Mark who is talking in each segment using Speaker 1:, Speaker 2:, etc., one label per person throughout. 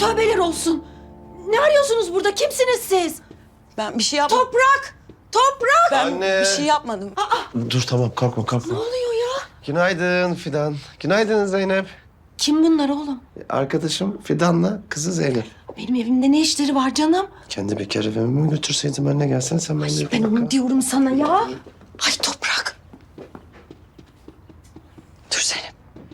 Speaker 1: Tövbeler olsun. Ne arıyorsunuz burada? Kimsiniz siz?
Speaker 2: Ben bir şey yapmadım.
Speaker 1: Toprak! Toprak!
Speaker 2: Ben
Speaker 3: Anne.
Speaker 2: bir şey yapmadım.
Speaker 3: Dur tamam kalkma.
Speaker 1: Ne oluyor ya?
Speaker 3: Günaydın Fidan. Günaydın Zeynep.
Speaker 1: Kim bunlar oğlum?
Speaker 3: Arkadaşım Fidan'la kızı Zeynep.
Speaker 1: Benim evimde ne işleri var canım?
Speaker 3: Kendi bekar evime mi götürseydim anne gelsene sen benimle
Speaker 1: Ay
Speaker 3: bir
Speaker 1: ben
Speaker 3: dakika.
Speaker 1: onu diyorum sana ya. Ay Toprak.
Speaker 2: Dur Zeynep.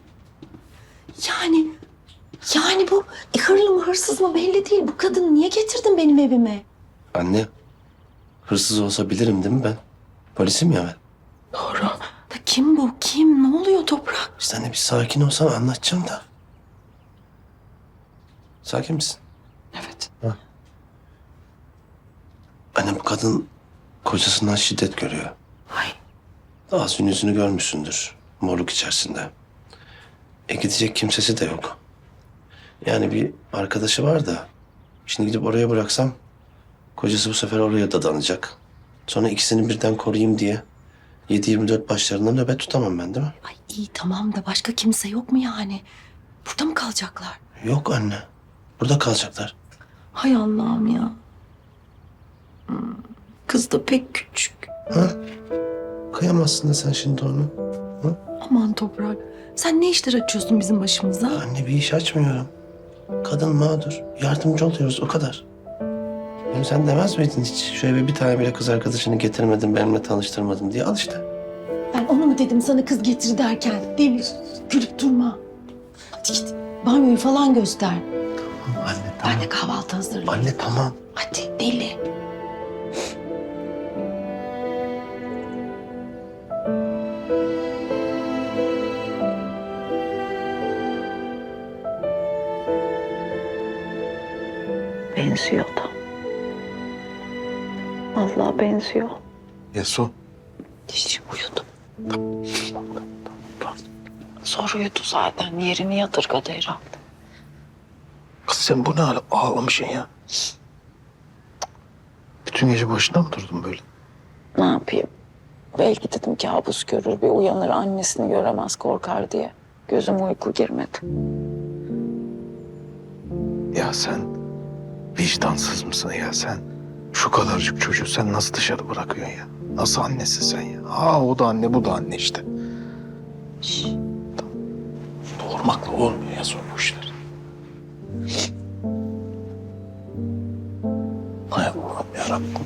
Speaker 1: Yani bu hırlı mı hırsız mı belli değil. Bu kadını niye getirdin benim evime?
Speaker 3: Anne hırsız olsa bilirim değil mi ben? Polisim ya ben.
Speaker 1: Doğru. Da kim bu? Kim? Ne oluyor Toprak?
Speaker 3: Sen de bir sakin olsan anlatacağım da. Sakin misin?
Speaker 2: Evet.
Speaker 3: Anne bu kadın kocasından şiddet görüyor.
Speaker 1: Ay
Speaker 3: Ağzın yüzünü görmüşsündür. Morluk içerisinde. Gidecek kimsesi de yok. Yani bir arkadaşı var da. Şimdi gidip oraya bıraksam kocası bu sefer oraya dadanacak. Sonra ikisini birden koruyayım diye 7-24 başlarında nöbet tutamam ben değil mi?
Speaker 1: Ay iyi tamam da başka kimse yok mu yani? Burada mı kalacaklar?
Speaker 3: Yok anne. Burada kalacaklar.
Speaker 1: Hay Allah'ım ya. Kız da pek küçük.
Speaker 3: Ha? Kıyamazsın da sen şimdi onu.
Speaker 1: Aman Toprak. Sen ne işler açıyorsun bizim başımıza?
Speaker 3: Anne bir iş açmıyorum. Kadın mağdur. Yardımcı oluyoruz o kadar. Hem sen demez miydin hiç? Şöyle bir tane bile kız arkadaşını getirmedin benimle tanıştırmadın diye al işte.
Speaker 1: Ben onu mu dedim sana kız getir derken? Değil gülüp durma. Hadi git banyoyu falan göster.
Speaker 3: Anne
Speaker 1: Ben de kahvaltı hazırlayayım.
Speaker 3: Anne tamam.
Speaker 1: Hadi deli.
Speaker 4: Benziyor da. Vallahi benziyor.
Speaker 5: Yesu.
Speaker 4: Hiç uyudu. Zor uyudu zaten. Yerini yadırgadı herhalde.
Speaker 5: Kız sen bu ne hale ağlamışsın ya? Bütün gece başında mı durdun böyle?
Speaker 4: Ne yapayım? Belki dedim kabus görür, bir uyanır annesini göremez korkar diye. Gözüme uyku girmedi.
Speaker 5: Ya sen vicdansız mısın ya sen? Şu kadarcık çocuğu sen nasıl dışarı bırakıyorsun ya? Nasıl annesin sen ya? Aa o da anne bu da anne işte.
Speaker 4: Şş,
Speaker 5: Doğurmakla olmuyor ya sonra bu işler. Hay Allah'ım yarabbim.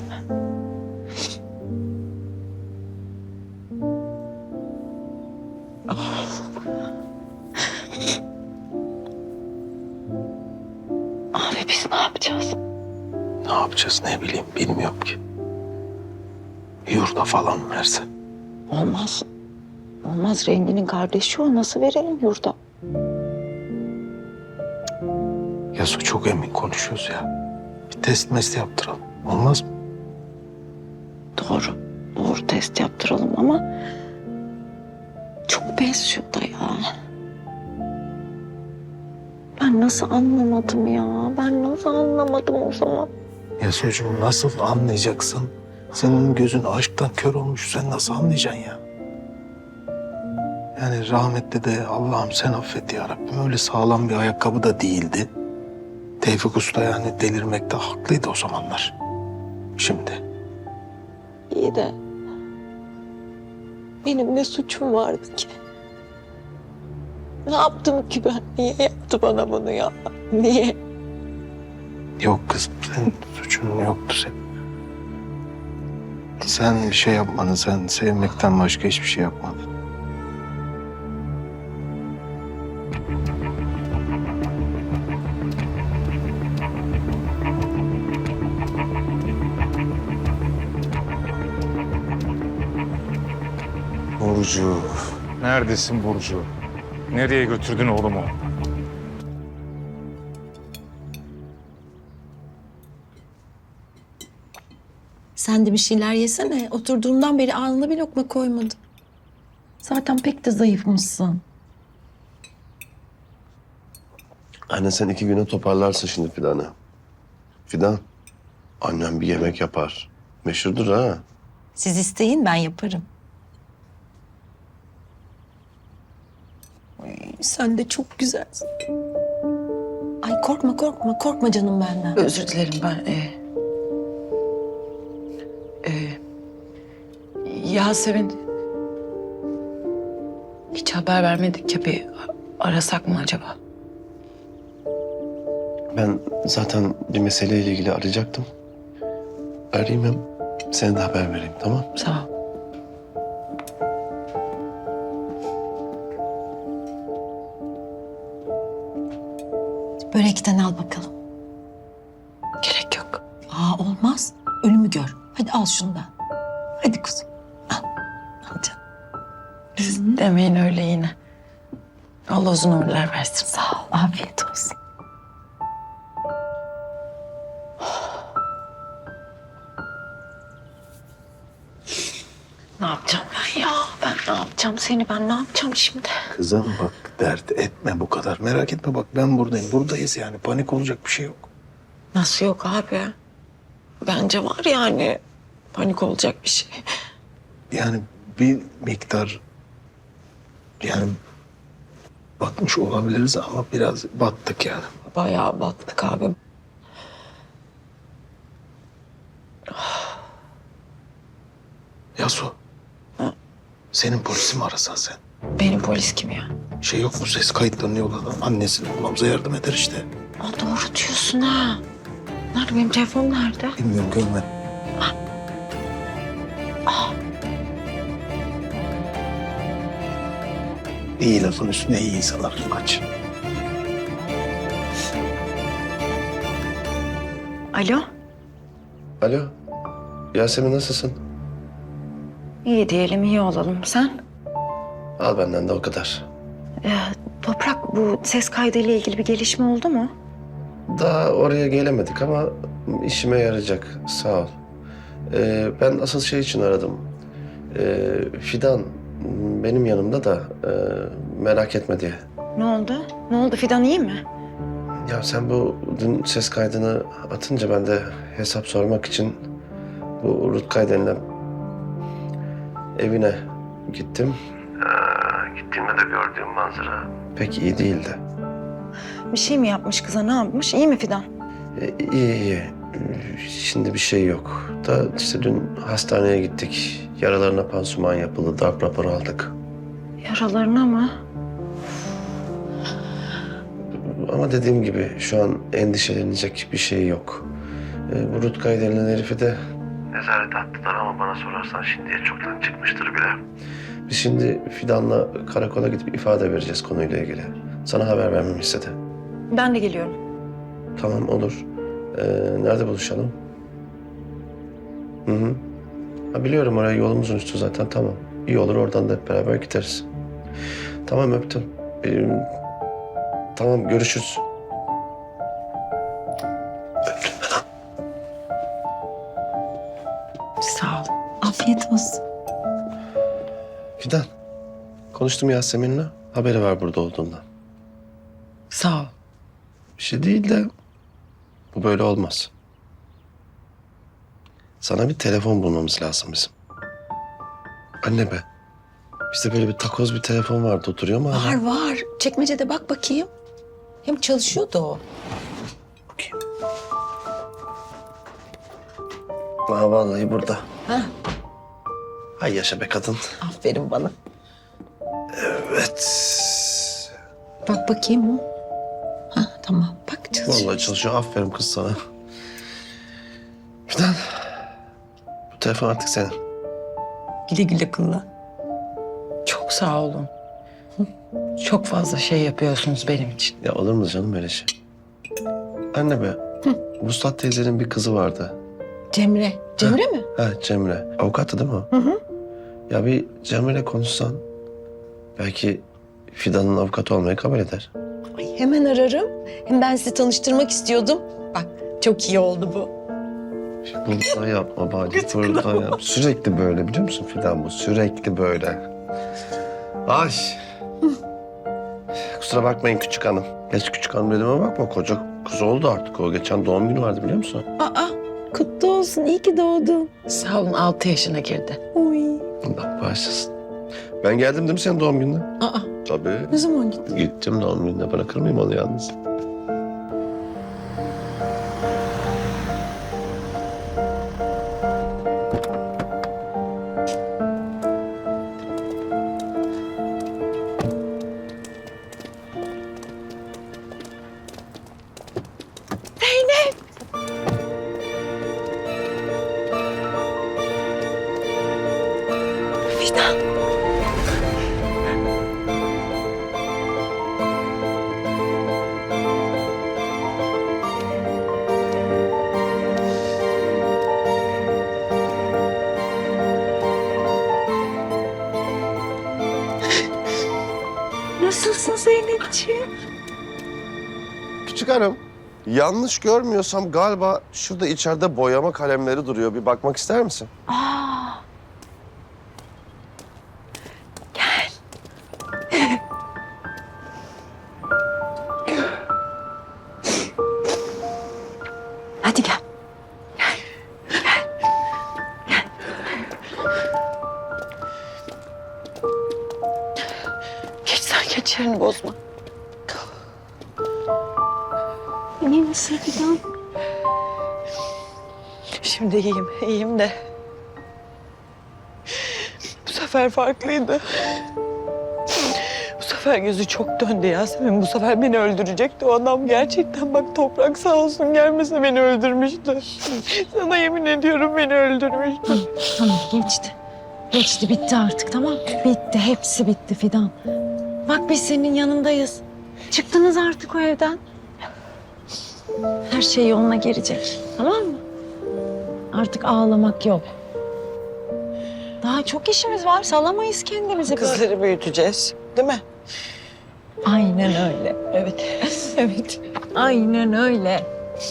Speaker 4: abi biz ne yapacağız?
Speaker 5: Ne yapacağız ne bileyim bilmiyorum ki. Yurda falan mı verse?
Speaker 4: Olmaz. Olmaz, Rengi'nin kardeşi o. Nasıl verelim yurda?
Speaker 5: Yasu çok emin konuşuyoruz ya. Bir test mest yaptıralım. Olmaz mı?
Speaker 4: Doğru. Doğru, test yaptıralım ama çok benziyor da ya. Ben nasıl anlamadım ya? Ben nasıl anlamadım o zaman?
Speaker 5: Yasucuğum nasıl anlayacaksın? Senin gözün aşktan kör olmuş. Sen nasıl anlayacaksın ya? Yani rahmetli de Allah'ım sen affet ya Rabbim. Öyle sağlam bir ayakkabı da değildi. Tevfik Usta yani delirmekte haklıydı o zamanlar. Şimdi
Speaker 4: İyi de benim ne suçum vardı ki? Ne yaptım ki ben? Niye yaptı bana bunu ya? Niye?
Speaker 5: yok kızım senin suçun yoktu senin. Sen bir şey yapmadın. Sen sevmekten başka hiçbir şey yapmadın.
Speaker 6: Burcu. Neredesin Burcu? Nereye götürdün oğlumu?
Speaker 1: Sen de bir şeyler yesene. Oturduğumdan beri ağzına bir lokma koymadım. Zaten pek de zayıfmışsın.
Speaker 3: Anne sen 2 güne toparlarsın şimdi Fidan'ı. Fidan, annem bir yemek yapar. Meşhurdur ha.
Speaker 1: Siz isteyin ben yaparım. Ay, sen de çok güzelsin. Ay Korkma canım benden.
Speaker 2: Özür dilerim ben. Yasemin hiç haber vermedik ya, bir arasak mı acaba?
Speaker 3: Ben zaten bir meseleyle ilgili arayacaktım. Arayayım hem sana da haber vereyim, tamam?
Speaker 2: Sağ ol.
Speaker 1: Börekten al bakalım.
Speaker 2: Gerek yok.
Speaker 1: Olmaz. Ölümü gör. Hadi al şundan. Hadi kuzum. Al. Al canım.
Speaker 2: Siz demeyin öyle yine. Allah uzun ömürler versin.
Speaker 1: Sağ ol. Afiyet olsun.
Speaker 4: Ne yapacağım ben ya? Ben ne yapacağım seni? Ben ne yapacağım şimdi?
Speaker 5: Kızım bak dert etme bu kadar. Merak etme bak ben buradayım. Buradayız yani. Panik olacak bir şey yok.
Speaker 4: Nasıl yok abi? Bence var yani. Panik olacak bir şey.
Speaker 5: Yani bir miktar yani batmış olabiliriz ama biraz battık yani.
Speaker 4: Bayağı battık abi.
Speaker 5: Yasu. Senin polisi mi arasan sen?
Speaker 4: Benim polis kim ya?
Speaker 5: Şey yok mu ses kayıtlarını yolladan annesini bulmamıza yardım eder işte.
Speaker 4: Doğru diyorsun ha. Nerede benim telefon nerede?
Speaker 5: Bilmiyorum görmedim. İyi lafın üstüne iyi insanlar kaç.
Speaker 4: Alo?
Speaker 3: Alo, Yasemin nasılsın?
Speaker 4: İyi diyelim, iyi olalım. Sen?
Speaker 3: Al benden de o kadar.
Speaker 4: Toprak, bu ses kaydıyla ilgili bir gelişme oldu mu?
Speaker 3: Daha oraya gelemedik ama işime yarayacak, sağ ol. Ben asıl şey için aradım. Fidan benim yanımda da merak etme diye.
Speaker 4: Ne oldu? Ne oldu? Fidan iyi mi?
Speaker 3: Ya sen bu dün ses kaydını atınca ben de hesap sormak için bu Rutkay denilen evine gittim. Gittiğimde de gördüğüm manzara pek iyi değildi.
Speaker 4: Bir şey mi yapmış kıza? Ne yapmış? İyi mi Fidan?
Speaker 3: İyi. Şimdi bir şey yok. Da işte dün hastaneye gittik. Yaralarına pansuman yapıldı. Darp raporu aldık.
Speaker 4: Yaralarına mı?
Speaker 3: Ama dediğim gibi şu an endişelenecek bir şey yok. Bu Rutkay denilen herifi de nezarete attılar ama bana sorarsan şimdiye çoktan çıkmıştır bile. Biz şimdi Fidan'la karakola gidip ifade vereceğiz konuyla ilgili. Sana haber vermemi istedi.
Speaker 4: Ben de geliyorum.
Speaker 3: Tamam olur. Nerede buluşalım? Hı. Ha, biliyorum oraya yolumuzun üstü zaten, tamam. İyi olur, oradan da hep beraber gideriz. Tamam, öptüm. Tamam, görüşürüz.
Speaker 4: Sağ ol.
Speaker 1: Afiyet olsun.
Speaker 3: Fidan, konuştum Yasemin'le. Haberi var burada olduğundan.
Speaker 2: Sağ ol.
Speaker 3: Bir şey değil de bu böyle olmaz. Sana bir telefon bulmamız lazım bizim. Anne be. Bizde böyle bir takoz bir telefon vardı, oturuyor mu hala?
Speaker 1: Var. Çekmecede bak bakayım. Hem çalışıyordu o.
Speaker 3: Bakayım. Aa, vallahi burada.
Speaker 1: Ha,
Speaker 3: Hay yaşa be kadın.
Speaker 1: aferin bana.
Speaker 3: Evet.
Speaker 1: Bak bakayım. Ha, tamam. Bak çalışıyor.
Speaker 3: Vallahi çalışıyor. Aferin kız sana. Fidan. Bu telefon artık senin.
Speaker 1: Güle güle kullan.
Speaker 2: Çok sağ olun. Çok fazla şey yapıyorsunuz benim için.
Speaker 3: Ya olur mu canım öyle şey? Anne be. Vuslat teyzenin bir kızı vardı.
Speaker 1: Cemre. Cemre mi?
Speaker 3: Ha, Cemre. Avukattı değil mi o?
Speaker 1: Hı.
Speaker 3: Ya bir Cemre'yle konuşsan belki Fidan'ın avukatı olmayı kabul eder.
Speaker 1: Ay, hemen ararım. Hem ben sizi tanıştırmak istiyordum. Bak çok iyi oldu bu.
Speaker 3: Burada yapma bari. Burada yap. Sürekli böyle biliyor musun Fidan bu? Sürekli böyle. Ay. Kusura bakmayın küçük hanım. Geç küçük hanım dediğime bakma. Koca kız oldu artık o. Geçen doğum günü vardı biliyor musun?
Speaker 1: Aa, kutlu olsun. İyi ki doğdun.
Speaker 2: Sağ olun, 6 yaşına girdi.
Speaker 1: Oy.
Speaker 3: Allah bağışlasın. Ben geldim değil mi senin doğum gününe?
Speaker 1: Aa,
Speaker 3: Tabii.
Speaker 1: ne zaman gittin?
Speaker 3: Gittim doğum gününe. Bırakır mıyım onu yalnız?
Speaker 1: Zeynepciğim.
Speaker 3: Küçük hanım, yanlış görmüyorsam galiba şurada içeride boyama kalemleri duruyor. Bir bakmak ister misin?
Speaker 1: Hadi gel.
Speaker 4: Geç sen geç yerini bozma.
Speaker 1: İyi misin Fidan?
Speaker 4: Şimdi iyiyim de. Bu sefer farklıydı. Bu sefer gözü çok döndü Yasemin. Bu sefer beni öldürecekti o adam. Gerçekten bak Toprak sağ olsun gelmese beni öldürmüştü. Sana yemin ediyorum beni öldürmüştü.
Speaker 1: Tamam geçti. Geçti bitti artık tamam. Bitti hepsi bitti Fidan. Bak biz senin yanındayız. Çıktınız artık o evden. Her şey yoluna girecek tamam mı? Artık ağlamak yok. Daha çok işimiz var. Salamayız kendimizi böyle.
Speaker 4: Kızları büyüteceğiz değil mi?
Speaker 1: Aynen öyle. Evet. Evet. Aynen öyle.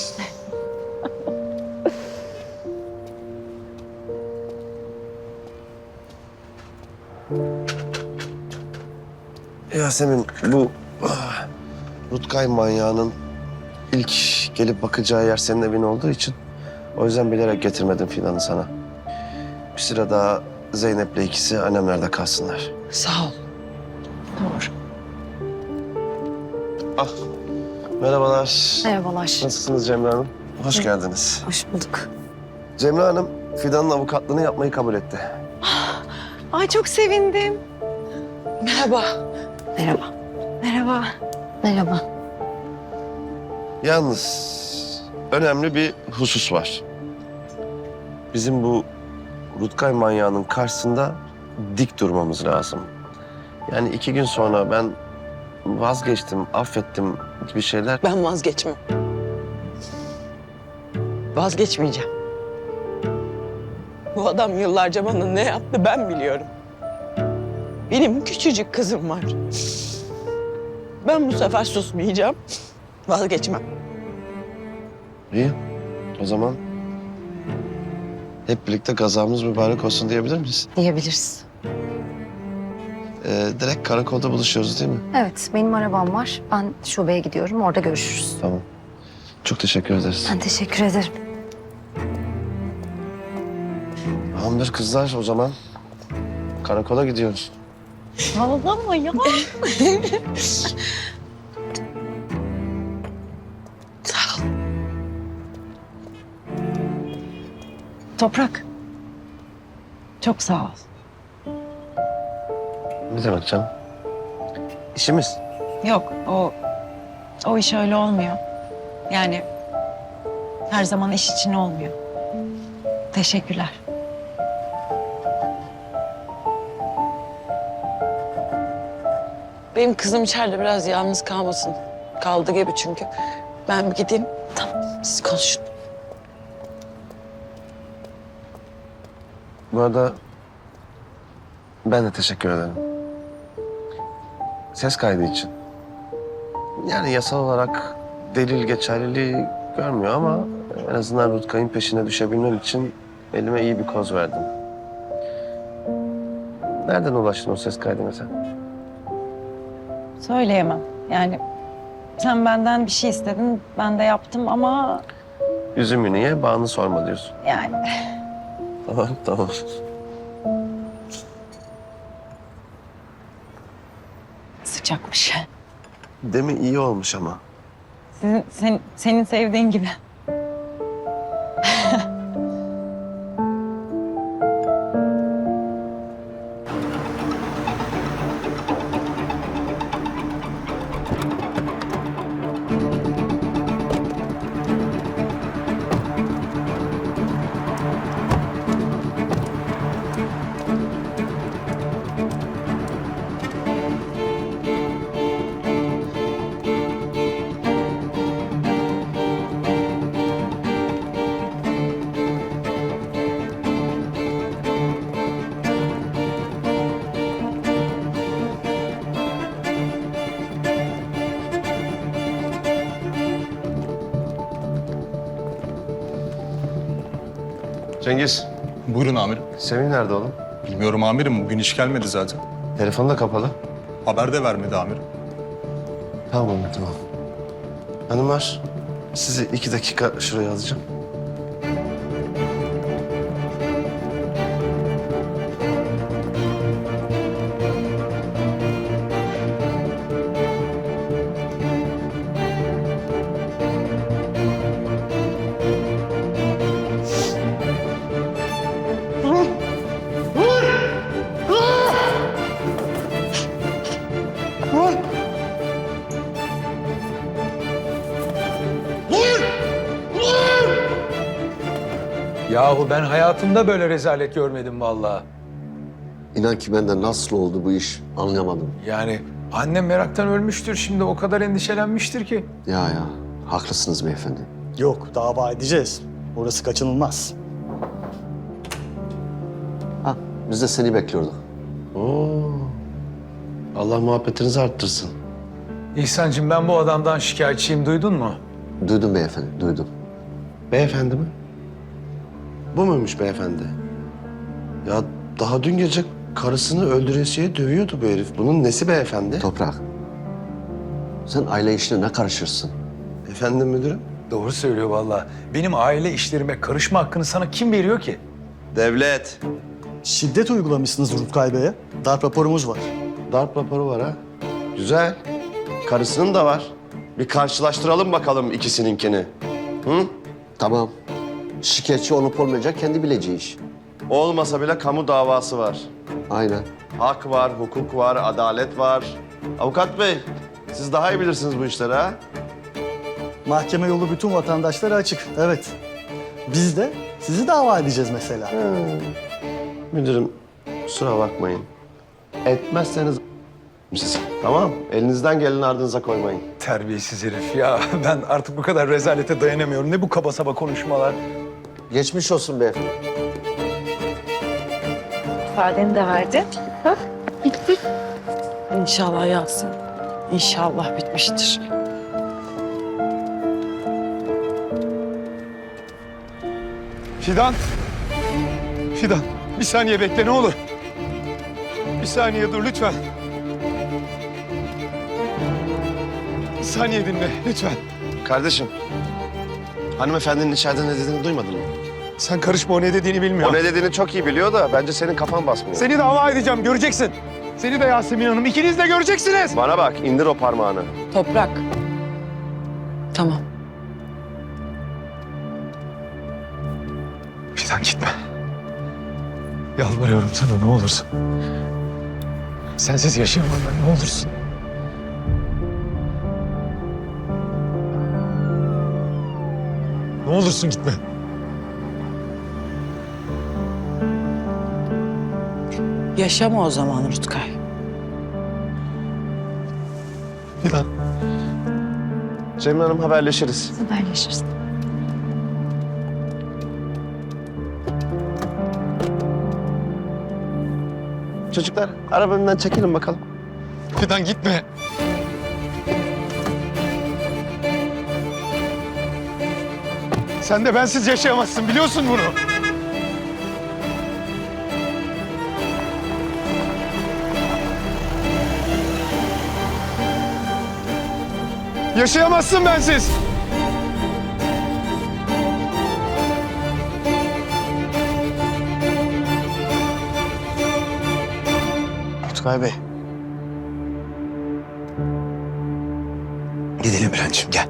Speaker 3: Yasemin, bu Rutkay manyağının ilk gelip bakacağı yer senin evin olduğu için o yüzden bilerek getirmedim Fidan'ı sana. Bir süre daha Zeynep'le ikisi annemlerde kalsınlar.
Speaker 4: Sağ ol.
Speaker 1: Doğru.
Speaker 3: Ah, merhabalar.
Speaker 1: Merhabalar.
Speaker 3: Nasılsınız Cemre Hanım? Hoş geldiniz.
Speaker 1: Hoş bulduk.
Speaker 3: Cemre Hanım, Fidan'ın avukatlığını yapmayı kabul etti.
Speaker 1: Ay çok sevindim.
Speaker 4: Merhaba.
Speaker 1: Merhaba. Merhaba. Merhaba.
Speaker 3: Yalnız önemli bir husus var. Bizim bu Rutkay manyağının karşısında dik durmamız lazım. Yani 2 gün sonra ben vazgeçtim, affettim gibi şeyler.
Speaker 4: Ben vazgeçmem. Vazgeçmeyeceğim. Bu adam yıllarca bana ne yaptı ben biliyorum. Benim küçücük kızım var. Ben bu sefer susmayacağım. Vazgeçmem.
Speaker 3: İyi. O zaman hep birlikte gazamız mübarek olsun diyebilir miyiz?
Speaker 7: Diyebiliriz.
Speaker 3: Direkt karakolda buluşuyoruz değil mi?
Speaker 7: Evet, benim arabam var. Ben şubeye gidiyorum. Orada görüşürüz.
Speaker 3: Tamam. Çok teşekkür ederiz.
Speaker 7: Ben teşekkür ederim.
Speaker 3: Tamamdır kızlar o zaman. Karakola gidiyoruz.
Speaker 1: Ağlama ya.
Speaker 4: Sağ ol.
Speaker 1: Toprak. Çok sağ ol.
Speaker 3: Ne demek canım? İşimiz.
Speaker 1: Yok o iş öyle olmuyor. Yani her zaman iş için olmuyor. Teşekkürler.
Speaker 4: Benim kızım içeride biraz yalnız kalmasın. Kaldı gibi çünkü. Ben bir gideyim. Tamam. Siz konuşun.
Speaker 3: Bu arada ben de teşekkür ederim. Ses kaydı için. Yani yasal olarak delil geçerliliği görmüyor ama en azından Rutkay'ın peşine düşebilmem için elime iyi bir koz verdim. Nereden ulaştın o ses kaydına sen?
Speaker 1: Söyleyemem. Yani sen benden bir şey istedin, ben de yaptım ama
Speaker 3: Üzümü niye, bağını sorma diyorsun.
Speaker 1: yani
Speaker 3: Tamam, tamam.
Speaker 1: sıcakmış.
Speaker 3: Değil mi? İyi olmuş ama.
Speaker 1: Senin sevdiğin gibi.
Speaker 3: Cengiz,
Speaker 6: Buyurun amirim.
Speaker 3: Semih nerede oğlum?
Speaker 6: Bilmiyorum amirim. Bugün iş gelmedi zaten.
Speaker 3: Telefonu da kapalı.
Speaker 6: Haber de vermedi amirim.
Speaker 3: Tamam, tamam. Hanımlar, sizi 2 dakika şuraya alacağım.
Speaker 8: Yahu ben hayatımda böyle rezalet görmedim vallahi.
Speaker 9: İnan ki ben de nasıl oldu bu iş anlayamadım.
Speaker 8: Yani annem meraktan ölmüştür şimdi, o kadar endişelenmiştir ki.
Speaker 9: Ya haklısınız beyefendi.
Speaker 10: Yok, dava edeceğiz. Orası kaçınılmaz.
Speaker 9: Ha, biz de seni bekliyorduk.
Speaker 3: Oo. Allah muhabbetinizi arttırsın.
Speaker 8: İhsancığım, ben bu adamdan şikayetçiyim, duydun mu?
Speaker 9: Duydum beyefendi, duydum.
Speaker 3: Beyefendi mi? Bu muymuş beyefendi? Ya daha dün gece karısını öldüresiye dövüyordu bu herif. Bunun nesi beyefendi?
Speaker 9: Toprak, sen aile işine ne karışırsın?
Speaker 3: Efendim müdürüm?
Speaker 8: Doğru söylüyor vallahi. Benim aile işlerime karışma hakkını sana kim veriyor ki?
Speaker 3: Devlet.
Speaker 10: Şiddet uygulamışsınız Rutkay Bey'e. Darp raporumuz var.
Speaker 3: Darp raporu var ha. Güzel. Karısının da var. Bir karşılaştıralım bakalım ikisininkini. Hı?
Speaker 9: Tamam. Şikayetçi olup olmayacak kendi bileceği iş.
Speaker 3: Olmasa bile kamu davası var.
Speaker 9: Aynen.
Speaker 3: Hak var, hukuk var, adalet var. Avukat bey, siz daha iyi bilirsiniz bu işleri ha.
Speaker 10: Mahkeme yolu bütün vatandaşlara açık. Evet. Biz de sizi dava edeceğiz mesela.
Speaker 3: Müdürüm, kusura bakmayın. Etmezseniz siz. Tamam, elinizden geleni ardınıza koymayın.
Speaker 8: Terbiyesiz herif ya. Ben artık bu kadar rezalete dayanamıyorum. Ne bu kaba saba konuşmalar?
Speaker 9: Geçmiş olsun beyefendi.
Speaker 1: İfadeni de verdin.
Speaker 2: İnşallah Yasin. İnşallah bitmiştir.
Speaker 6: Fidan. Fidan. Bir saniye bekle ne olur. Bir saniye dur lütfen. Bir saniye dinle lütfen.
Speaker 3: Kardeşim, hanımefendinin içeride ne dediğini duymadın mı?
Speaker 6: Sen karışma, o ne dediğini bilmiyor.
Speaker 3: O ne dediğini çok iyi biliyor da bence senin kafan basmıyor.
Speaker 6: Seni dava edeceğim, göreceksin. Seni de Yasemin Hanım, ikiniz de göreceksiniz.
Speaker 3: Bana bak, indir o parmağını.
Speaker 2: Toprak. Tamam.
Speaker 6: Fidan gitme. Yalvarıyorum sana ne olursun. Sensiz yaşayamam ben, ne olursun. Ne olursun gitme.
Speaker 2: Yaşama o zaman Rutkay.
Speaker 6: Fidan.
Speaker 3: Cemil Hanım haberleşiriz.
Speaker 7: Haberleşiriz.
Speaker 3: Çocuklar, arabamdan çekilin bakalım.
Speaker 6: Fidan gitme. Sen de bensiz yaşayamazsın, biliyorsun bunu. Yaşayamazsın bensiz.
Speaker 3: Rutkay Bey.
Speaker 6: Gidelim Bülent'ciğim gel.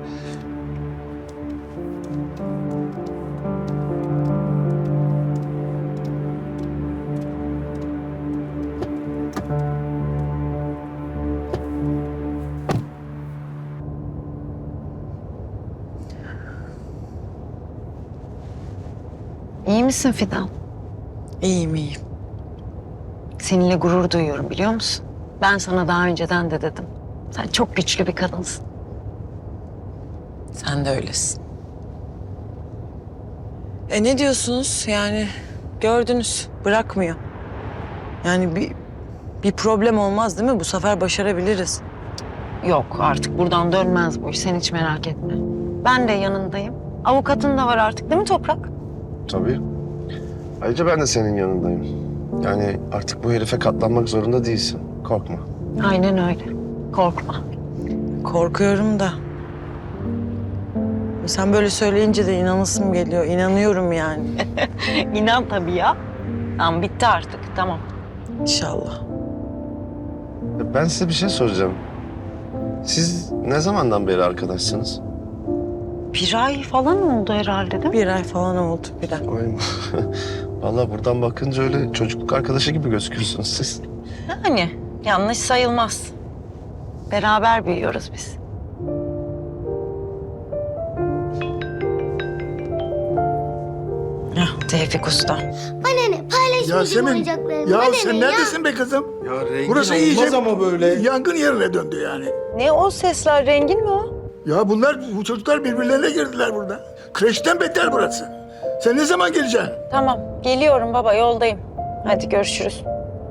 Speaker 1: İyi misin Fidan?
Speaker 2: İyiyim iyiyim.
Speaker 1: Seninle gurur duyuyorum biliyor musun? Ben sana daha önceden de dedim. Sen çok güçlü bir kadınsın.
Speaker 2: Sen de öylesin. Ne diyorsunuz yani? Gördünüz, bırakmıyor. Yani bir problem olmaz değil mi? Bu sefer başarabiliriz.
Speaker 1: Yok artık buradan dönmez bu iş. Sen hiç merak etme. Ben de yanındayım. Avukatın da var artık değil mi Toprak?
Speaker 3: Tabii. Ayrıca ben de senin yanındayım. Yani artık bu herife katlanmak zorunda değilsin. Korkma.
Speaker 1: Aynen öyle. Korkma.
Speaker 2: Korkuyorum da. Sen böyle söyleyince de inanasım geliyor. İnanıyorum yani.
Speaker 1: İnan tabii ya. Tamam bitti artık tamam.
Speaker 2: İnşallah.
Speaker 3: Ben size bir şey soracağım. Siz ne zamandan beri arkadaşsınız?
Speaker 1: Bir ay falan oldu herhalde değil mi?
Speaker 2: Bir ay falan oldu bir ay.
Speaker 3: Ay, vallahi buradan bakınca öyle çocukluk arkadaşı gibi gözüküyorsunuz siz.
Speaker 1: Yani yanlış sayılmaz. Beraber büyüyoruz biz.
Speaker 2: Heh, Tevfik Usta.
Speaker 11: Bana ne? Paylaşmayacağım oyuncaklarımı. Bana ne ya?
Speaker 6: be kızım?
Speaker 8: Ya rengin
Speaker 6: Burası
Speaker 8: olmaz
Speaker 6: iyice
Speaker 8: ama böyle.
Speaker 6: yangın yerine döndü yani.
Speaker 1: Ne o sesler? Rengin mi o?
Speaker 6: Ya bu çocuklar birbirlerine girdiler burada. Kreşten beter burası. Sen ne zaman geleceksin?
Speaker 1: Tamam geliyorum baba yoldayım. Hadi görüşürüz.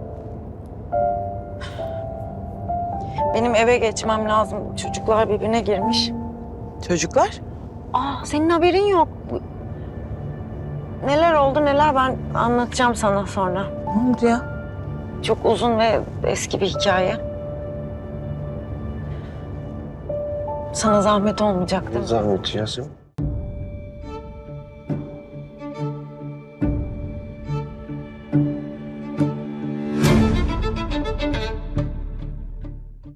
Speaker 1: Benim eve geçmem lazım. Çocuklar birbirine girmiş.
Speaker 2: Çocuklar?
Speaker 1: Aa senin haberin yok. Neler oldu neler ben anlatacağım sana sonra.
Speaker 2: Ne oldu ya?
Speaker 1: Çok uzun ve eski bir hikaye. Sana zahmet olmayacak değil mi?
Speaker 3: Zahmet Yasemin.